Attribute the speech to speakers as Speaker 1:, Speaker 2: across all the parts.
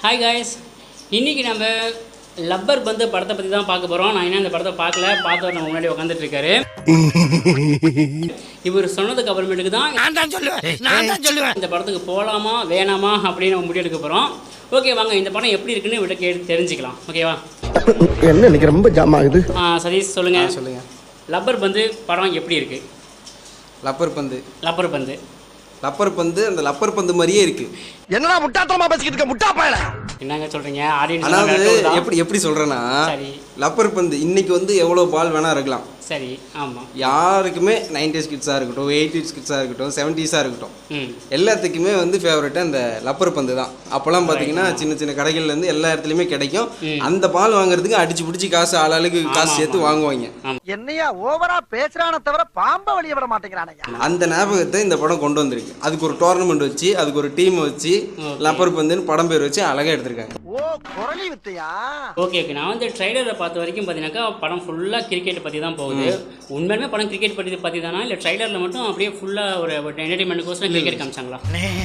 Speaker 1: Hi guys, இன்றைக்கி நம்ம rubber பந்து படத்தை பற்றி தான் பார்க்க போகிறோம். நான் என்ன இந்த படத்தை பார்த்தவர் நம்ம முன்னாடி உட்காந்துட்டு இருக்காரு. இவர் சொன்னதுக்கு அப்புறமேட்டுக்கு தான் நான் தான் சொல்லுவேன் இந்த படத்துக்கு போகலாமா வேணாமா அப்படின்னு நம்ம முடிவெடுக்க போகிறோம். ஓகே, வாங்க இந்த படம் எப்படி இருக்குன்னு இவட்ட கேட்டு தெரிஞ்சுக்கலாம். ஓகேவா?
Speaker 2: என்ன எனக்கு ரொம்ப ஜாம் ஆகுது.
Speaker 1: சதீஷ் சொல்லுங்கள். லப்பர் பந்து படம் எப்படி இருக்குது?
Speaker 3: லப்பர் பந்து அந்த லப்பர் பந்து மாதிரியே இருக்கு.
Speaker 2: என்னடா முட்டாத்தனமா பேசிக்கிட்டு இருக்க முட்டா பயல?
Speaker 1: என்னங்க சொல்றீங்க? ஆடியன்ஸ்
Speaker 3: அதாவது எப்படி சொல்றேன்னா, லப்பர் பந்து இன்னைக்கு வந்து எவ்வளவு பால் வேணா இருக்கலாம்.
Speaker 1: சரி, ஆமாம்.
Speaker 3: யாருக்குமே 90s கிட்ஸாக இருக்கட்டும், 80s கிட்ஸாக இருக்கட்டும், 70s இருக்கட்டும், எல்லாத்துக்குமே வந்து ஃபேவரட் அந்த லப்பர் பந்து தான். அப்போல்லாம் பார்த்தீங்கன்னா சின்ன சின்ன கடைகள்லேருந்து எல்லா இடத்துலையுமே கிடைக்கும். அந்த பால் வாங்குறதுக்கு அடிச்சு பிடிச்சி காசு ஆளாளுக்கு காசு சேர்த்து வாங்குவாங்க.
Speaker 2: என்னையா ஓவரா பேசுறானே தவிர பாம்ப வெளிய விட மாட்டேங்கிறானே.
Speaker 3: அந்த ஞாபகத்தை இந்த படம் கொண்டு வந்திருக்கு. அதுக்கு ஒரு டோர்னமெண்ட் வச்சு, அதுக்கு ஒரு டீம் வச்சு, லப்பர் பந்துன்னு படம் பேர் வச்சு அழகாக எடுத்திருக்காங்க.
Speaker 1: ஓகே, நான் வந்து ட்ரைலரை பார்த்த வரைக்கும் பார்த்தீங்கன்னாக்கா படம் ஃபுல்லாக கிரிக்கெட் பற்றி தான் போகுது. உண்மையுமே படம் கிரிக்கெட் பற்றி தானா இல்லை ட்ரைலரில் மட்டும் அப்படியே ஃபுல்லாக ஒரு என்டர்டைன்மெண்ட்டுக்கோசரம் கிரிக்கெட் காமிச்சாங்களா?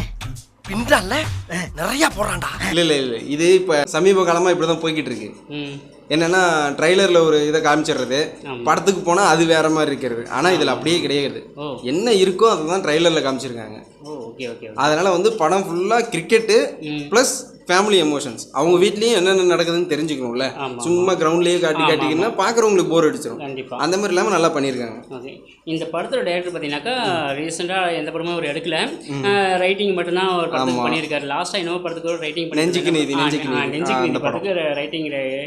Speaker 2: நிறைய போறான்டா.
Speaker 3: இல்லை இது இப்போ சமீப காலமாக இப்படி தான் போய்கிட்டு இருக்கு. என்னன்னா ட்ரைலரில் ஒரு இதை காமிச்சிடுறது, படத்துக்கு போனால் அது வேற மாதிரி இருக்கிறது. ஆனால் இதில் அப்படியே கிடையாது. என்ன இருக்கோ அதை தான் ட்ரைலரில் காமிச்சிருக்காங்க. அதனால வந்து படம் ஃபுல்லாக கிரிக்கெட்டு ப்ளஸ் ஃபேமிலி எமோஷன்ஸ். அவங்க வீட்லேயும் என்னென்ன நடக்குதுன்னு தெரிஞ்சுக்கணும்ல. சும்மா கிரவுண்ட்லேயே காட்டிக்கிங்கன்னா பார்க்குறவங்களுக்கு போர் அடிச்சிடும். அந்த மாதிரி இல்லாமல் நல்லா பண்ணியிருக்காங்க.
Speaker 1: ஓகே, இந்த படத்தோட டைரக்டர் பார்த்தீங்கன்னாக்கா ரீசெண்டாக எந்த படமும் அவர் எடுக்கல, ரைட்டிங் மட்டும்தான் ஒரு படத்துக்கு பண்ணியிருக்காரு. லாஸ்ட்டாக இன்னொரு படத்துக்கு ஒரு ரைட்டிங்
Speaker 3: நெஞ்சுக்கு நீதி
Speaker 1: இந்த படத்துக்கு ரைட்டிங்.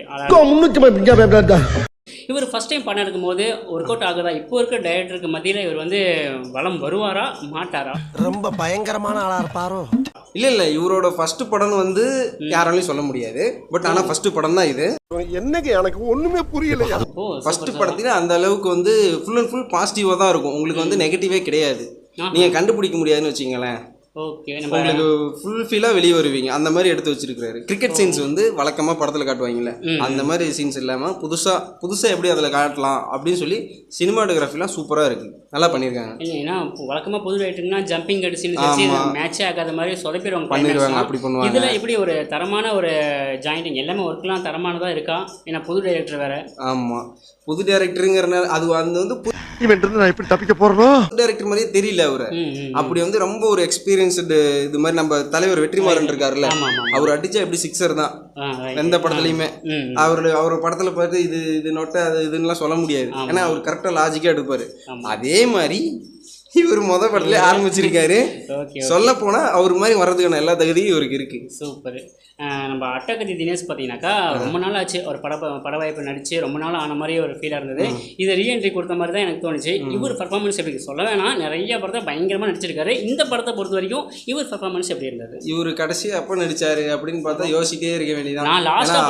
Speaker 1: இவர் ஃபர்ஸ்ட் டைம் படம் எடுக்கும்போது ஒர்க் அவுட் ஆகுதா? இப்போ இருக்க டைரக்டருக்கு மத்தியில் இவர் வந்து வளம் வருவாரா மாட்டாரா?
Speaker 2: ரொம்ப பயங்கரமான ஆளா இருப்பாரோ?
Speaker 3: இல்லை இவரோட ஃபர்ஸ்ட் படம் வந்து யாராலையும் சொல்ல முடியாது. பட் ஆனால் ஃபர்ஸ்ட் படம் தான் இது.
Speaker 2: என்னங்க எனக்கு ஒண்ணுமே புரியலையா?
Speaker 3: ஃபர்ஸ்ட் படத்துல அந்த அளவுக்கு வந்து ஃபுல் அண்ட் ஃபுல் பாசிட்டிவாக தான் இருக்கும். உங்களுக்கு வந்து நெகட்டிவே கிடையாது. நீங்கள் கண்டுபிடிக்க முடியாதுன்னு வச்சிங்களேன்.
Speaker 1: ஓகே,
Speaker 3: உங்களுக்கு ஃபுல் ஃபீலாக வெளியே வருவீங்க. அந்த மாதிரி எடுத்து வச்சிருக்காரு. கிரிக்கெட் சீன்ஸ் வந்து வழக்கமாக படத்தில் காட்டுவாங்கல்ல, அந்த மாதிரி சீன்ஸ் இல்லாமல் புதுசாக எப்படி அதில் காட்டலாம் அப்படின்னு சொல்லி சினிமாட்டோகிராஃபிலாம் சூப்பராக இருக்குது. நல்லா பண்ணியிருக்காங்க.
Speaker 1: ஏன்னா வழக்கமாக புது ரைட்டுங்கன்னா ஜம்பிங் அடிச்சு மேட்சே ஆகாத மாதிரி சொதப்பிடுவாங்க,
Speaker 3: பண்ணிடுவாங்க. அப்படி பண்ணுவாங்க.
Speaker 1: இதில் இப்படி ஒரு தரமான ஒரு ஜாயிண்டிங் எல்லாமே ஒர்க்லாம் தரமானதாக இருக்கா? ஏன்னா புது டைரக்டர் வேற.
Speaker 3: ஆமாம், புது டைரக்டருங்கிறனால அது வந்து
Speaker 2: நான் எப்படி தப்பிக்க போறோம்?
Speaker 3: டைரக்டர் மாதிரியே தெரியல அவரு. அப்படி வந்து ரொம்ப ஒரு எக்ஸ்பீரியன்ஸ்டு இது மாதிரி நம்ம தலைவர் வெற்றிமாறன் இருக்காருல்ல, அவர் அடிச்சா எப்படி சிக்ஸர் தான் எந்த படத்துலையுமே. அவர் படத்துல பார்த்து இது நொட்டை அது இதுன்னு சொல்ல முடியாது. ஏன்னா அவர் கரெக்டா லாஜிக்கா எடுப்பாரு. அதே மாதிரி இவர் படத்துல ஆரம்பிச்சிருக்காரு. சொல்ல போனா அவர் மாதிரி வர்றதுக்கான எல்லா தகுதியும் இவருக்கு இருக்கு.
Speaker 1: சூப்பர். நம்ம அட்டகத்தி தினேஷ் பார்த்தீங்கன்னாக்கா ரொம்ப நாள் ஆச்சு ஒரு பட வாய்ப்பு நடிச்சு ரொம்ப நாள் ஆன மாதிரி ஒரு ஃபீலாக இருந்தது. இது ரீஎன்ட்ரி கொடுத்த மாதிரி தான் எனக்கு தோணுச்சு. இவர் பர்ஃபார்மன்ஸ் எப்படி சொல்ல வேணாம், நிறைய படத்தை பயங்கரமாக நடிச்சிருக்காரு. இந்த படத்தை பொறுத்த வரைக்கும் இவர் பர்ஃபார்மன்ஸ் எப்படி இருந்தது?
Speaker 3: இவர் கடைசி அப்போ நடிச்சாரு அப்படின்னு பார்த்தா யோசிக்கிட்டே இருக்க வேண்டியதான்.
Speaker 1: நான் லாஸ்ட்டாக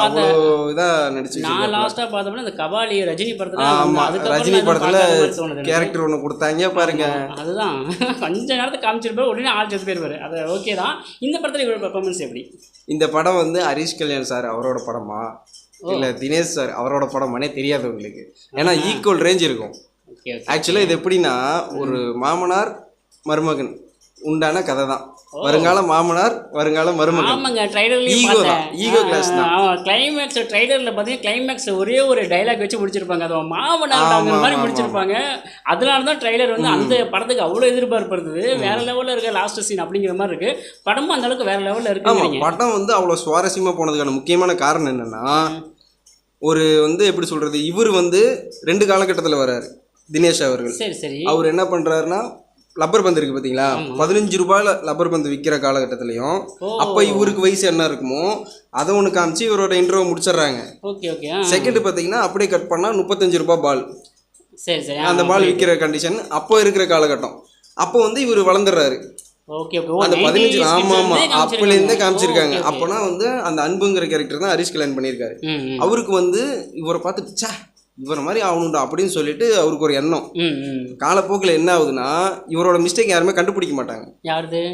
Speaker 1: பார்த்தோம்னா இந்த கபாலி ரஜினி படத்தில்
Speaker 3: ரஜினி படத்தில் கேரக்டர் ஒன்று கொடுத்தாங்க பாருங்க.
Speaker 1: அதுதான் கொஞ்ச நேரத்தை காமிச்சிருப்பாரு, உடனே ஆள் சேர்த்து போயிருப்பாரு. அது ஓகே தான். இந்த படத்தில் இவரோட பர்ஃபார்மன்ஸ் எப்படி?
Speaker 3: இந்த படம் வந்து ஹரிஷ் கல்யாண் சார் அவரோட படமா இல்லை தினேஷ் சார் அவரோட படமானே தெரியாது உங்களுக்கு. ஏன்னா ஈக்குவல் ரேஞ்ச் இருக்கும். ஆக்சுவலாக இது எப்படின்னா, ஒரு மாமனார் மருமகன் உண்டான கதை தான். வருங்கால மாமனார் வருங்கால மருமகன்.
Speaker 1: ஆமாங்க, ட்ரைலர்லயும்
Speaker 3: ஈகோ கிளாஸ் தான்.
Speaker 1: கிளைமேக்ஸ் ட்ரைலர்ல பார்த்தீங்கன்னா கிளைமேக்ஸ்ல ஒரே ஒரு டைலாக் வச்சு முடிச்சிருப்பாங்க. அது மாமனார் மாதிரி முடிச்சிருப்பாங்க. அதனால தான் ட்ரைலர் வந்து அந்த படத்துக்கு அவ்வளோ எதிர்பார்ப்பு இருந்தது. வேற லெவலில் இருக்க லாஸ்ட் சீன் அப்படிங்கிற மாதிரி இருக்கு. படமும் அந்த அளவுக்கு வேற லெவலில் இருக்கு.
Speaker 3: படம் வந்து அவ்வளோ சுவாரஸ்யமாக போனதுக்கான முக்கியமான காரணம் என்னன்னா, ஒரு வந்து எப்படி சொல்றது, இவர் வந்து 2 காலகட்டத்தில் வர்றாரு தினேஷ் அவர்கள்.
Speaker 1: சரி.
Speaker 3: அவர் என்ன பண்றாருன்னா, லப்பர் பந்து இருக்கு பார்த்தீங்களா, 15 ரூபாயில் லப்பர் பந்து விற்கிற காலகட்டத்திலையும் அப்போ இவருக்கு வயசு என்ன இருக்குமோ அதை ஒன்று காமிச்சு இவரோட இன்ட்ரோவை முடிச்சிடுறாங்க. செகண்ட் பார்த்தீங்கன்னா அப்படியே கட் பண்ணால் 35 ரூபாய் பால்.
Speaker 1: சரி.
Speaker 3: அந்த பால் விற்கிற கண்டிஷன் அப்போ இருக்கிற காலகட்டம். அப்போ வந்து இவர் வளர்ந்துடுறாரு. அந்த 15 அப்போலேருந்தே காமிச்சிருக்காங்க. அப்போனா வந்து அந்த அன்புங்கிற கேரக்டர் தான் ஹரிஷ் கல்யாண் பண்ணியிருக்காரு. அவருக்கு வந்து இவரை பார்த்துட்டு இவரை மாதிரி ஆகணும்டா அப்படின்னு சொல்லிட்டு அவருக்கு ஒரு எண்ணம். காலப்போக்கில் என்ன ஆகுதுன்னா, இவரோட மிஸ்டேக் யாருமே கண்டுபிடிக்க மாட்டாங்க.
Speaker 1: யாருது?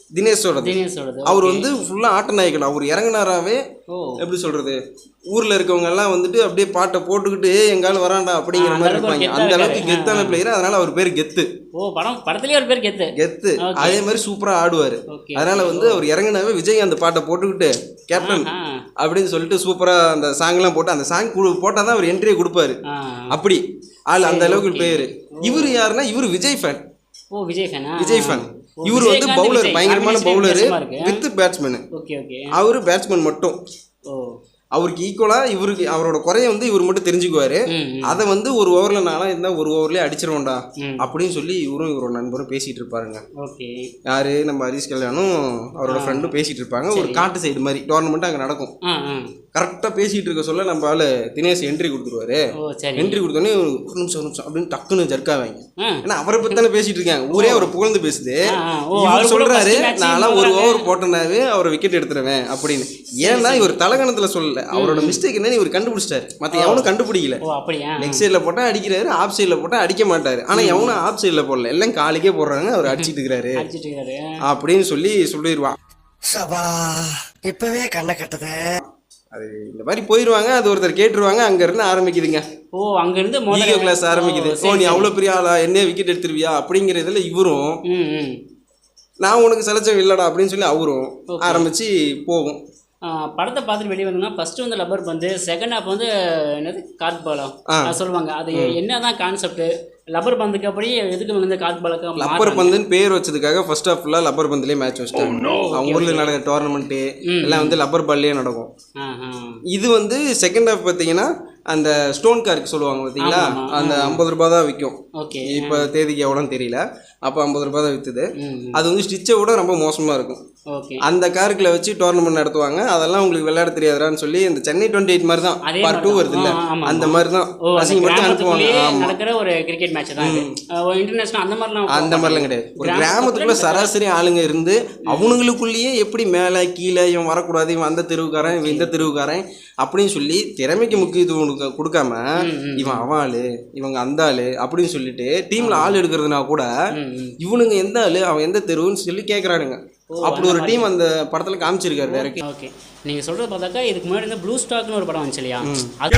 Speaker 3: தினேஷோடது. அவர் வந்து ஃபுல்லாக ஆட்ட நாயகன். அவர் இறங்குனாராவே எப்படி சொல்றது, ஊர்ல இருக்கவங்க எல்லாம் வந்துட்டு அப்படியே பாட்டை போட்டுக்கிட்டு எங்காலும் வராண்டா அப்படிங்கிற மாதிரி இருப்பாங்க. அந்த அளவுக்கு கெத்தான பிளேயர். அதனால அவர் பேர் கெத்து.
Speaker 1: படத்துலயே ஒரு பேர் கெத்து.
Speaker 3: அதே மாதிரி சூப்பரா ஆடுவாரு. அதனால வந்து அவர் இறங்குனாவே விஜய் அந்த பாட்டை போட்டுக்கிட்டு கேப்டன் அப்படின்னு சொல்லிட்டு சூப்பரா அந்த சாங் எல்லாம் போட்டு அந்த சாங் போட்டாதான் அவர் என்ட்ரியை கொடுப்பாரு. அப்படி ஆள் அந்த அளவுக்கு பேரு. இவர் யாருன்னா இவர் விஜய் ஃபேன். விஜய் ஃபேன். இவர் வந்து பவுலர், பயங்கரமான பவுலரு வித் பேட்ஸ்மேன். அவரு பேட்ஸ்மேன் மட்டும். அவருக்கு ஈக்குவலா இவருக்கு அவரோட குறைய வந்து இவர் மட்டும் தெரிஞ்சுக்குவாரு. அதை வந்து ஒரு ஓவர்ல நானா இருந்தா ஒரு ஓவர்லயே அடிச்சிருவோம்டா அப்படின்னு சொல்லி இவரும் இவரோட நண்பரும் பேசிட்டு இருப்பாருங்க. யாரு நம்ம ஹரிஷ் கல்யாணும் அவரோட ஃப்ரெண்டும் பேசிட்டு இருப்பாங்க. ஒரு காட்டு சைடு மாதிரி டோர்னமெண்ட் அங்க நடக்கும். கரெக்டா பேசிட்டு இருக்க சொல்ல நம்ம ஆளு தினேஷ் என்ட்ரி கொடுத்துருவாரு. என்ட்ரி கொடுத்தோடனே ஒரு நிமிஷம் அப்படின்னு டக்குன்னு ஜர்க்காவாங்க. ஏன்னா அவரை பத்தி தானே பேசிட்டு இருக்காங்க. ஊரே அவரை புகழ்ந்து பேசுது. இவர் சொல்றாரு நான் ஒரு ஓவர் போட்டனாவே அவரை விக்கெட் எடுத்துருவேன் அப்படின்னு. ஏன்னா இவர் தலகணத்துல சொல்லல. அவரோட மிஸ்டேக் என்ன இவர் கண்டுபிடிச்சிட்டாரு. மத்த எவனும் கண்டுபிடிக்கல. லெக் சைட்ல போட்டா அடிக்கிறாரு, ஆஃப் சைட்ல போட்டா அடிக்க மாட்டாரு. ஆனா எவனும் ஆஃப் சைட்ல போடல, எல்லாம் காலுக்கே போடுறாங்க. அவர் அடிச்சிட்டு இருக்காரு அப்படின்னு சொல்லிடுவான்.
Speaker 2: இப்பவே கண்ணை கட்டுது.
Speaker 3: அது இந்த மாதிரி போயிடுவாங்க. அது ஒருத்தர் கேட்டுருவாங்க. அங்க இருந்து ஆரம்பிக்குதுங்க.
Speaker 1: அங்க இருந்து
Speaker 3: ஈகோ கிளாஸ் ஆரம்பிக்குது. நீ அவ்வளவு பெரிய ஆளா, என்ன விக்கெட் எடுத்துருவியா அப்படிங்கிறதுல இவரும் நான் உனக்கு செலச்சம் இல்லடா அப்படின்னு சொல்லி அவரும் ஆரம்பிச்சு போகும்.
Speaker 1: படத்தை பார்த்துட்டு வெளியே வந்தோம்னா ஃபர்ஸ்ட் வந்து லப்பர் பந்து, செகண்ட் ஹாஃப் வந்து என்னது கார்ட் பாலம் சொல்லுவாங்க. அது என்னதான் கான்செப்ட் லப்பர் பந்துக்கு அப்படியே எதுக்கு வந்து கார்ட் பாலுக்கு
Speaker 3: லப்பர் பந்துன்னு பேர் வச்சதுக்காக ஃபர்ஸ்ட் ஹாஃப் ஃபுல்லாக லப்பர் பந்துலேயே மேட்ச் வச்சிட்டாங்க. அவங்க ஊரில் நடக்கிற டோர்னமெண்ட்டு எல்லாம் வந்து லப்பர் பால்லேயே நடக்கும். இது வந்து செகண்ட் ஹாஃப் பார்த்தீங்கன்னா அந்த ஸ்டோன் கார்க்கு சொல்லுவாங்க பார்த்தீங்களா, அந்த 50 ரூபா தான் விற்கும். இப்போ தேதிக்கு எவ்வளோன்னு தெரியல. அப்போ 50 ரூபா தான் விற்றுது. அது வந்து ஸ்டிச்சை விட ரொம்ப மோசமாக இருக்கும். அந்த கார்க்கில் வச்சு டோர்னமெண்ட் நடத்துவாங்க. அதெல்லாம் உங்களுக்கு விளையாட தெரியாதான்னு சொல்லி இந்த சென்னை 28 மாதிரி தான் பார்ட் 2 வருது இல்லை, அந்த மாதிரி தான் மட்டும் அனுப்புவாங்க.
Speaker 1: ஒரு கிரிக்கெட் மேட்ச் தான் இன்டர்நேஷனல்
Speaker 3: அந்த மாதிரிலாம் கிடையாது. ஒரு கிராமத்துக்குள்ள சராசரி ஆளுங்க இருந்து அவனுங்களுக்குள்ளேயே எப்படி மேலே கீழே இவன் வரக்கூடாது, இவன் அந்த தெருவுக்காரன், இவன் இந்த தெருவுக்காரன் அப்படின்னு சொல்லி திறமைக்கு முக்கியத்துவம் கொடுக்காம இவன் அவன் ஆளு இவங்க அந்த ஆளு அப்படின்னு சொல்லிட்டு டீம்ல ஆள் எடுக்கிறதுனா கூட இவனுங்க எந்த ஆளு அவன் எந்த தெருவுன்னு சொல்லி கேட்கறானுங்க. அப்படி ஒரு டீம் அந்த படத்துல காமிச்சிருக்காரு டைரக்ட்.
Speaker 1: ஓகே, நீங்க சொல்றது பார்த்தாக்கா இதுக்கு முன்னாடி இந்த ப்ளூ ஸ்டார்க்னு ஒரு படம் வந்துச்சு இல்லையா,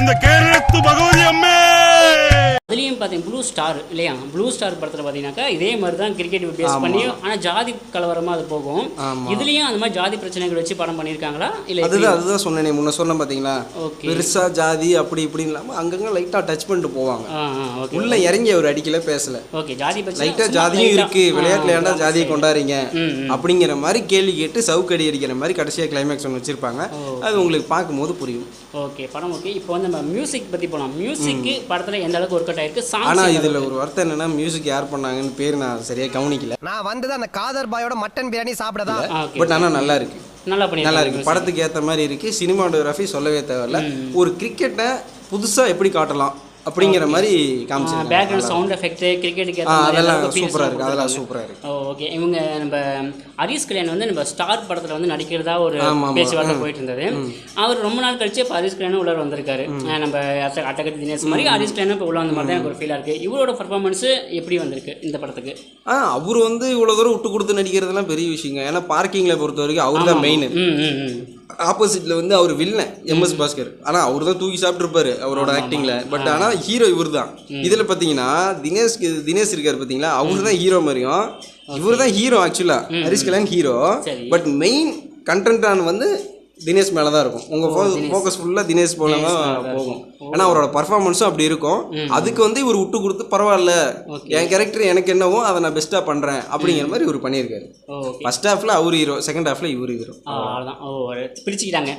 Speaker 1: அதுலேயும் பார்த்தீங்க ப்ளூ ஸ்டார் இல்லையா, ப்ளூ ஸ்டார் படத்தில் பார்த்தீங்கன்னாக்கா இதே மாதிரி தான் கிரிக்கெட் பேஸ் பண்ணி ஆனால் ஜாதி கலவரமாக அது போகும். இதுலேயும் அந்த மாதிரி ஜாதி பிரச்சனைகள் வச்சு படம் பண்ணியிருக்காங்களா இல்லை?
Speaker 3: அதுதான் சொன்னேன் முன்ன சொன்ன பார்த்தீங்களா, பெருசா ஜாதி அப்படி இப்படின்னு இல்லாமல் அங்கங்கே லைட்டாக டச் பண்ணிட்டு போவாங்க. உள்ள இறங்கி அவர் அடிக்கல பேசல.
Speaker 1: ஓகே, ஜாதி பிரச்சனை
Speaker 3: லைட்டாக ஜாதியும் இருக்கு, விளையாட்டுல ஏன்டா ஜாதியை கொண்டாடுறீங்க அப்படிங்கிற மாதிரி கேள்வி கேட்டு சவுக்கடி அடிக்கிற மாதிரி கடைசியாக கிளைமேக்ஸ் ஒன்று வச்சிருப்பாங்க. அது உங்களுக்கு பார்க்கும்போது புரியும்.
Speaker 1: ஓகே, படம் ஓகே. இப்போ வந்து நம்ம மியூசிக் பற்றி போகலாம். மியூசிக் படத்தில் எந்த அளவுக்கு ஒர்க் அவுட் ஆயிருக்கு?
Speaker 3: ஆனா இதுல ஒரு வார்த்தை என்னன்னா மியூசிக் யார் பண்ணாங்கன்னு பேர் நான் சரியா கவனிக்கல.
Speaker 2: நான் வந்தது அந்த காதர் பாயோட மட்டன் பிரியாணி சாப்பிடதா.
Speaker 3: பட் ஆனா நல்லா இருக்கு, நல்லா இருக்கு, படத்துக்கு ஏத்த மாதிரி இருக்கு. சினிமாட்டோகிராஃபி சொல்லவே தேவையில்ல. ஒரு கிரிக்கெட்டை புதுசா எப்படி காட்டலாம் அப்படிங்கிற மாதிரி காமிச்சிருக்காங்க.
Speaker 1: பேக்ரவுண்ட் சவுண்ட் எஃபெக்ட் கிரிக்கெட்டுக்கு
Speaker 3: அதெல்லாம் சூப்பரா இருக்கு, அதெல்லாம் சூப்பரா இருக்கு.
Speaker 1: ஓகே, இவங்க நம்ம ஹரிஷ் கல்யாண் வந்து நம்ம ஸ்டார் படத்துல வந்து நடிக்கிறதா ஒரு பேச்சுவார்த்தை போயிட்டு இருந்தது. அவர் ரொம்ப நாள் கழிச்சு இப்போ ஹரிஷ் கல்யாண் உள்ள வந்திருக்காரு. நம்ம அட்டகத்தி தினேஷ் மாதிரி ஹரிஷ் கல்யாண் இப்போ உள்ள வந்த மாதிரி தான் எனக்கு ஒரு ஃபீலாக இருக்கு. இவரோட பர்ஃபார்மன்ஸ் எப்படி வந்திருக்கு இந்த படத்துக்கு?
Speaker 3: அவர் வந்து இவ்வளோ தூரம் விட்டு கொடுத்து நடிக்கிறதுலாம் பெரிய விஷயங்க. ஏன்னா பார்க்கிங்ல பொறுத்த வரைக்கும் அவர் தான் மெயின். ஆப்போசிட்ல வந்து அவர் வில்லன் எம்எஸ் பாஸ்கர். ஆனா அவர் தான் தூக்கி சாப்பிட்டு இருப்பாரு அவரோட ஆக்டிங்ல. பட் ஆனா ஹீரோ இவர் தான். இதுல பாத்தீங்கன்னா தினேஷ் இருக்காரு பாத்தீங்களா, அவரு தான் ஹீரோ மாதிரியும் இவரு தான் hero. Actually Harish Kalyan hero, but main content வந்து தினேஷ் மேலே தான் இருக்கும். உங்கள் ஃபோக்கஸ் ஃபுல்லாக தினேஷ் போல தான் போகும். ஏன்னா அவரோட பர்ஃபார்மன்ஸும் அப்படி இருக்கும். அதுக்கு வந்து இவர் விட்டு கொடுத்து பரவாயில்ல, என் கேரக்டர் எனக்கு என்னவோ அதை நான் பெஸ்ட்டாக பண்ணுறேன் அப்படிங்கிற மாதிரி இவர் பண்ணியிருக்காரு. ஃபர்ஸ்ட் ஹாஃப்ல அவர் ஹீரோ, செகண்ட் ஹாஃப்ல இவர் ஹீரோ.
Speaker 1: பிரிச்சுக்கிட்டாங்க.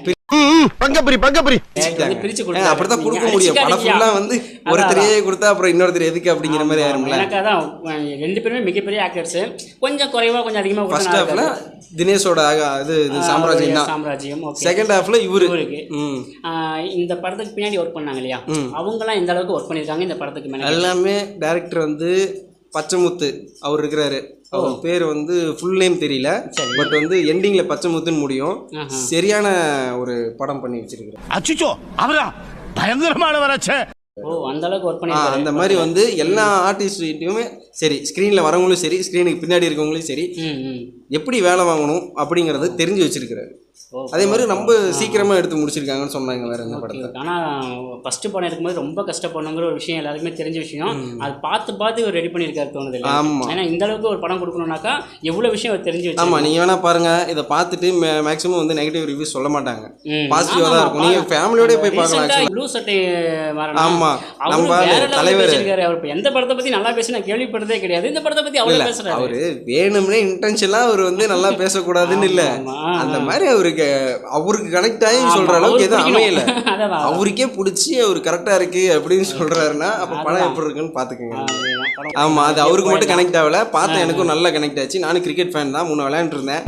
Speaker 3: அப்படிதான் கொடுக்க முடியும். படம் ஃபுல்லா வந்து ஒருத்தரையே கொடுத்தா அப்புறம் இன்னொருத்தர் எதுக்கு அப்படிங்கிற மாதிரி ஆயிரும்ல.
Speaker 1: எனக்கு அதான் ரெண்டு பேருமே மிகப்பெரிய ஆக்டர்ஸ். கொஞ்சம் குறைவா கொஞ்சம் அதிகமா
Speaker 3: ஃபர்ஸ்ட் ஹாஃப்ல தினேஷோட இது சாம்ராஜ்யம் தான்.
Speaker 1: சாம்ராஜ்யம்.
Speaker 3: செகண்ட் ஹாஃப்ல இவரு.
Speaker 1: இந்த படத்துக்கு பின்னாடி ஒர்க் பண்ணாங்க இல்லையா, அவங்கலாம் எந்த அளவுக்கு ஒர்க் பண்ணிருக்காங்க இந்த படத்துக்கு மேல?
Speaker 3: எல்லாமே டைரக்டர் வந்து பச்சைமுத்து அவர் இருக்கிறாரு. அவர் பேர் வந்து ஃபுல் நேம் தெரியல, பட் வந்து எண்டிங்ல பச்சைமுத்துன்னு முடியும். சரியான ஒரு படம் பண்ணி வச்சிருக்காரு.
Speaker 2: அச்சோ அவரா பயங்கரமானவராச்சே.
Speaker 1: அந்த அளவுக்கு ஒர்க் பண்ணி
Speaker 3: அந்த மாதிரி வந்து எல்லா ஆர்டிஸ்ட்டையுமே சரி, ஸ்க்ரீனில் வரவங்களும் சரி, ஸ்க்ரீனுக்கு பின்னாடி இருக்கவங்களும் சரி, எப்படி வேலை வாங்கணும் அப்படிங்கிறது தெரிஞ்சு வச்சிருக்கிறாரு. அதே மாதிரி ரொம்ப சீக்கிரமாக எடுத்து முடிச்சிருக்காங்கன்னு சொன்னாங்க வேற இந்த படத்தை.
Speaker 1: ஆனால் ஃபஸ்ட்டு படம் இருக்கும்போது ரொம்ப கஷ்டப்படணுங்கிற ஒரு விஷயம் எல்லாருக்குமே தெரிஞ்ச விஷயம். அது பார்த்து இவர் ரெடி பண்ணியிருக்காரு தோணுது. ஆமாம், ஏன்னா இந்த அளவுக்கு ஒரு படம் கொடுக்கணும்னாக்கா எவ்வளோ விஷயம் அவர் தெரிஞ்சு வச்சு.
Speaker 3: ஆமாம், நீங்கள் வேணா பாருங்க, இதை பார்த்துட்டு மேக்ஸிமம் வந்து நெகட்டிவ் ரிவ்யூஸ் சொல்ல மாட்டாங்க, பாசிட்டிவாக தான் இருக்கும். நீங்கள் ஃபேமிலியோட போய் பார்க்கலாம்.
Speaker 1: ப்ளூ சட்டை
Speaker 3: ஆமாம், நம்ம தலைவர்
Speaker 1: அவர் எந்த படத்தை பற்றி நல்லா பேசி நான் கேள்விப்பட்டதே கிடையாது. இந்த படத்தை பற்றி அவ்வளோ பேசுகிறாரு.
Speaker 3: அவர் வேணும்னே இன்டென்ஷனாக அவர் வந்து நல்லா பேசக்கூடாதுன்னு இல்லை, அந்த மாதிரி அவருக்கு கனெக்ட் ஆகி சொல்ற அளவுக்கு எதுவும் அமையல. அவருக்கே பிடிச்சி அவர் கரெக்டா இருக்கு அப்படின்னு சொல்றாருன்னா அப்ப படம் எப்படி இருக்குன்னு பாத்துக்கோங்க. ஆமா, அது அவருக்கு மட்டும் கனெக்ட் ஆகல, பார்த்தேன், எனக்கும் நல்லா கனெக்ட் ஆச்சு. நானும் கிரிக்கெட் ஃபேன் தான், முன்ன விளையாண்டு இருந்தேன்.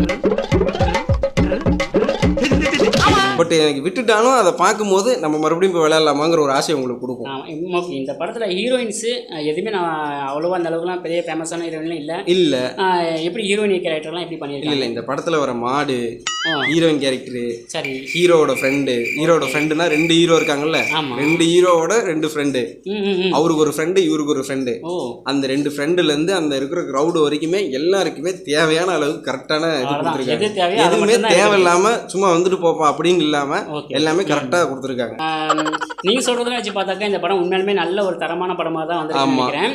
Speaker 3: பட் எனக்கு விட்டுட்டாலும் அதை பார்க்கும்போது நம்ம மறுபடியும் இப்போ விளையாடலாமாங்கிற ஒரு ஆசை உங்களுக்கு கொடுக்கும்.
Speaker 1: இந்த படத்தில் ஹீரோயின்ஸு எதுவுமே நான் அவ்வளோவா அந்த அளவுக்குலாம் பெரிய ஃபேமஸான ஹீரோயின்லாம் இல்லை. எப்படி ஹீரோயின் கேரக்டர்லாம் எப்படி பண்ணியிருக்கேன்?
Speaker 3: இல்லை, இந்த படத்தில் வர மாடு ஹீரோயின் கேரக்டரு, சரி, ஹீரோவோட ஃப்ரெண்டுனா 2 ஹீரோ இருக்காங்கல்ல, 2 ஹீரோவோட 2 ஃப்ரெண்டு, அவருக்கு ஒரு ஃப்ரெண்டு இவருக்கு ஒரு ஃப்ரெண்டு. அந்த 2 ஃப்ரெண்டுலேருந்து அந்த இருக்கிற க்ரௌடு வரைக்குமே எல்லாருக்குமே தேவையான அளவுக்கு கரெக்டான இது கொடுத்துருக்காங்க. எதுவுமே தேவையில்லாமல் சும்மா வந்துட்டு போப்பா அப்படின்னு இல்லாம எல்லாமே கரெக்டா கொடுத்துருக்காங்க.
Speaker 1: நீங்க சொல்றதெல்லாம் வச்சு பார்த்தாக்கா இந்த படம் உண்மையாலுமே நல்ல ஒரு தரமான படமா தான் வந்து நினைக்கிறேன்.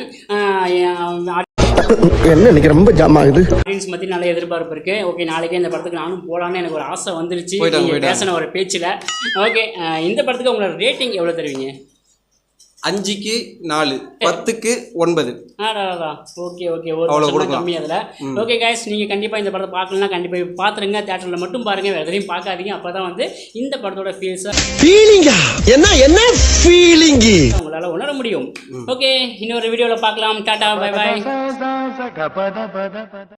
Speaker 2: என்ன இன்னைக்கு ரொம்ப ஜாம் ஆகுது.
Speaker 1: ஆடியன்ஸ் மத்தி நல்ல எதிர்பார்ப்பு இருக்கு. ஓகே, நாளைக்கே இந்த படத்துக்கு நானும் போலான்னு எனக்கு ஒரு ஆசை வந்துருச்சு பேசின ஒரு பேச்சுல. ஓகே, இந்த படத்துக்கு உங்களோட ரேட்டிங் எவ்வளவு தருவீங்க?
Speaker 3: 5க்கு 4, 10க்கு 9.
Speaker 1: ஓகே, ஒரு கம்மி அதில். ஓகே கைஸ், நீங்கள் கண்டிப்பாக இந்த படத்தை பார்க்கலன்னா கண்டிப்பாக பார்த்துருங்க. தேட்டரில் மட்டும் பாருங்கள், வேறு எதையும் பார்க்காதீங்க. அப்போ தான் வந்து இந்த படத்தோட உங்களால் உணர முடியும். ஓகே, இன்னொரு வீடியோவில் பார்க்கலாம். டாடா, பை பாய்.